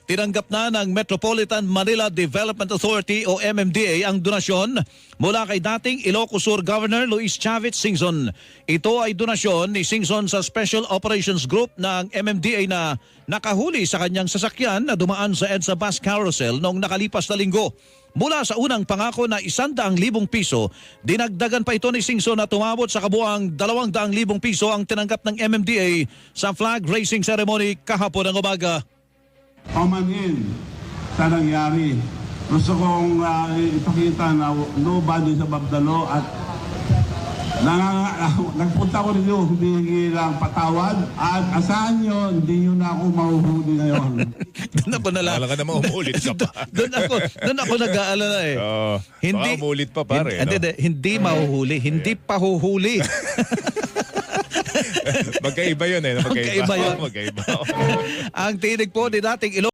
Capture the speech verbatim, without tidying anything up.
tinanggap na ng Metropolitan Manila Development Authority o M M D A ang donasyon mula kay dating Ilocos Sur Governor Luis Chavez Singson. Ito ay donasyon ni Singson sa Special Operations Group ng M M D A na nakahuli sa kanyang sasakyan na dumaan sa EDSA Bus Carousel noong nakalipas na linggo. Mula sa unang pangako na isandaang libong piso, dinagdagan pa ito ni Singson na tumabot sa kabuang dalawang daang libong piso ang tinanggap ng M M D A sa flag raising ceremony kahapon ng umaga. Pamanhin sa nangyari. Gusto kong uh, ipakita na nobody sa Babdalo at nang, nagpunta ko rin yun, hindi lang patawad at asahan nyo, hindi nyo na ako mahuhuli ngayon. Doon ako nala. Wala ka naman umulit ka pa. Doon ako, doon ako nag-aalala eh. Oh, hindi baka umulit pa pare. Hindi, no? hindi, hindi mahuhuli, hindi pa huhuli. Magkaiba yun eh. Magkaiba, Magkaiba yun. Magkaiba. Ang tinig po ni dating Ilocos